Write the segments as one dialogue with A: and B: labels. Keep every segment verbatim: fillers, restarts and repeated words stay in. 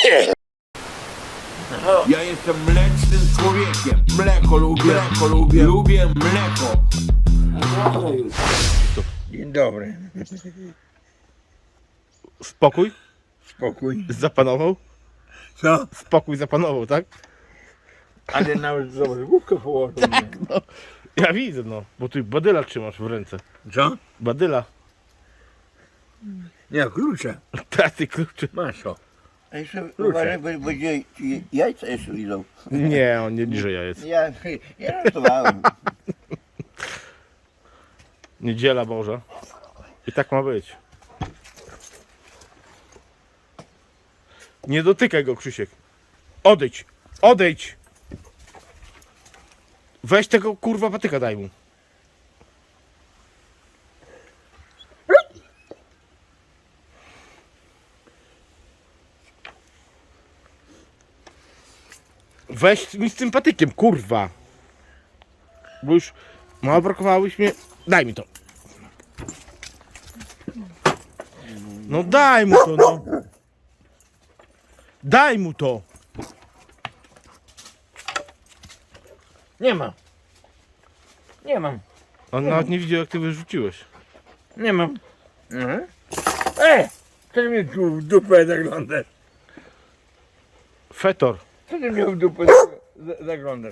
A: Ja jestem mlecznym człowiekiem. Mleko lubię, mleko lubię, lubię mleko.
B: Dzień dobry.
C: Spokój
B: Spokój.
C: zapanował?
B: Co?
C: Spokój zapanował, tak?
B: Ale nawet zobacz, główkę położył. Tak,
C: No, ja widzę, no, bo ty badyla trzymasz w ręce.
B: Co?
C: Badyla.
B: Nie, klucze.
C: Ta, ty kluczy.
B: Masz o.
D: A jeszcze uważaj, bo będzie ci jajca jeszcze idą.
C: Nie, on nie liże jajec.
D: Ja, ja żartowałem.
C: Niedziela Boża. I tak ma być. Nie dotykaj go, Krzysiek. Odejdź. Odejdź. Weź tego kurwa patyka, daj mu. Weź mi z tym patykiem, kurwa. Bo już mało brakowałobyś mnie. Daj mi to. No daj mu to, no. Daj mu to.
B: Nie mam. Nie mam.
C: On nawet nie widział, jak ty wyrzuciłeś.
B: Nie mam. Mhm. E! Co ty mnie tu w dupę zaglądasz?
C: Fetor.
B: Co ty mnie w dupę za- zaglądasz?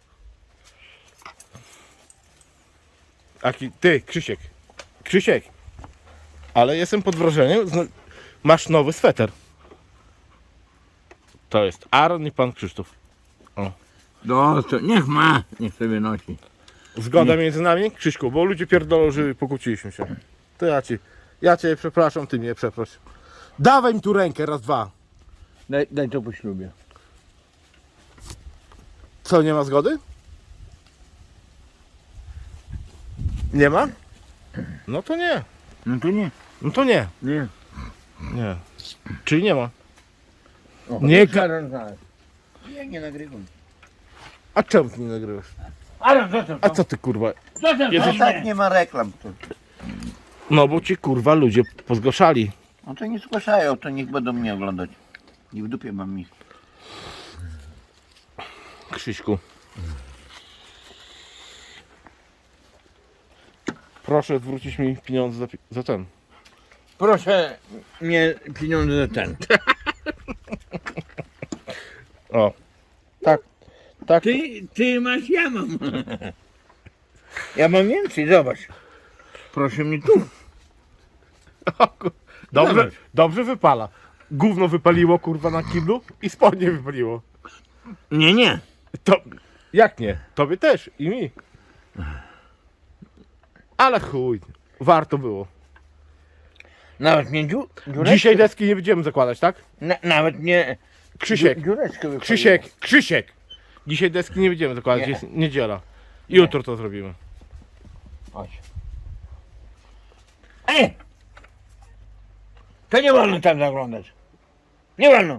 C: Aki, ty, Krzysiek. Krzysiek. Ale jestem pod wrażeniem. zna- Masz nowy sweter. To jest Aaron i pan Krzysztof.
B: No to niech ma. Niech sobie nosi.
C: Zgoda między nami, Krzyśku, bo ludzie pierdolą, że pokłóciliśmy się. To ja ci. Ja cię przepraszam, ty mnie przeproś. Dawaj mi tu rękę, raz, dwa.
B: Daj, daj to po ślubie.
C: Co, nie ma zgody? Nie ma? No to nie.
B: No to nie.
C: No to nie.
B: Nie.
C: Nie. Czyli nie ma.
B: O,
C: Nie
B: to Aaron znalazł.
D: Ja nie nagrywam.
C: A czemu ty nie nagrywasz?
B: Aaron, co to?
C: A co ty kurwa?
B: Co to?
D: No
C: Jesteś-
D: tak nie ma reklam. To.
C: No bo ci kurwa ludzie pozgłaszali.
D: No to nie zgłaszają, to niech będą mnie oglądać. I w dupie mam ich.
C: Krzyśku. Proszę zwrócić mi pieniądze za, pi- za ten.
B: Proszę mnie pieniądze za ten.
C: O. Tak. Tak.
B: Ty, ty masz, ja mam. Ja mam więcej, zobacz. Proszę mnie tu.
C: Dobrze,
B: Zobacz.
C: dobrze wypala. Gówno wypaliło kurwa na kiblu i spodnie wypaliło.
B: Nie, nie.
C: To jak nie? Tobie też i mi. Ale chuj. Warto było.
B: Nawet mnie dziu, dziureczkę,
C: Dzisiaj deski nie będziemy zakładać, tak?
B: na, nawet mnie
C: Krzysiek.
B: dziu- dziureczkę wypaliło.
C: Krzysiek, Krzysiek! Dzisiaj deski nie będziemy zakładać,
B: Nie.
C: jest niedziela. Jutro to zrobimy.
B: Chodź. Ej! To nie wolno tam zaglądać. Nie wolno.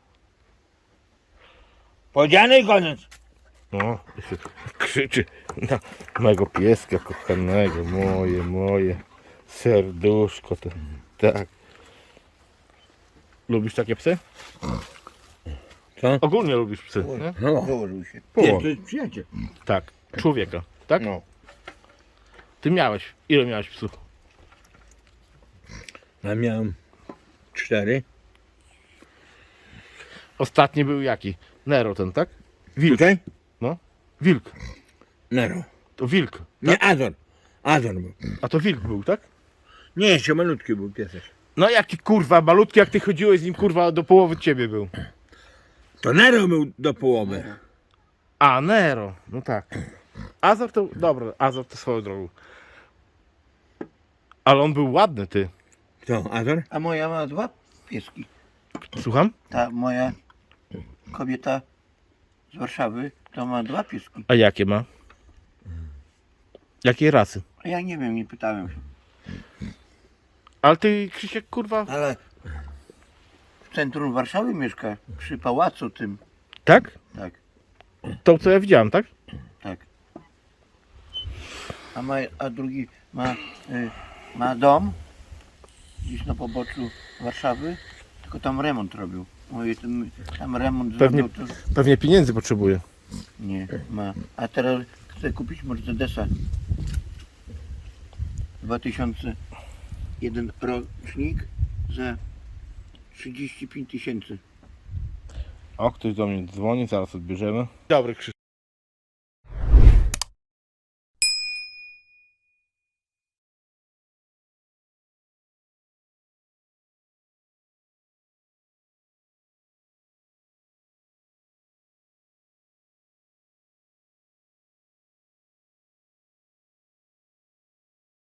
B: Powiedziane i koniec.
C: No, krzyczy na mojego pieska kochanego, moje, moje serduszko, to, tak. Lubisz takie psy?
B: Co?
C: Ogólnie lubisz psy, nie?
B: No.
D: Położył się.
B: Nie,
C: Po,
B: to jest przyjaciel.
C: tak, człowieka, tak?
B: No.
C: Ty miałeś, ile miałeś psów?
B: Ja miałem cztery.
C: Ostatni był jaki? Nero ten, tak? Wilk,
B: Tutaj?
C: no. Wilk,
B: Nero.
C: to wilk.
B: Nie, Azor. Azor był.
C: A to wilk był, tak?
B: Nie, jeszcze malutki był piesek.
C: No jaki kurwa, malutki, jak ty chodziłeś z nim kurwa do połowy ciebie był.
B: To Nero był do połowy.
C: A, Nero, no tak. Azor to, dobra, Azor to swoją drogą. Ale on był ładny, ty.
B: Co, Azor?
D: A moja ma dwa pieski.
C: Słucham?
D: Ta moja kobieta z Warszawy to ma dwa pieski.
C: A jakie ma? Jakiej rasy?
D: A ja nie wiem, nie pytałem się.
C: Ale ty, Krzysiek, kurwa...
D: Ale w centrum Warszawy mieszka, przy pałacu tym.
C: Tak?
D: Tak,
C: To, co ja widziałem, tak?
D: tak. A, ma, a drugi ma, y, ma dom gdzieś na poboczu Warszawy, tylko tam remont robił. Oj, tam, tam remont
C: Pewnie-
D: zrobił, to
C: Pewnie pieniędzy potrzebuje.
D: nie ma. A teraz chcę kupić Mercedesa. dwa tysiące jeden rocznik za trzydzieści pięć tysięcy.
C: O, ktoś do mnie dzwoni, zaraz odbierzemy. Dobry, Krzysztof.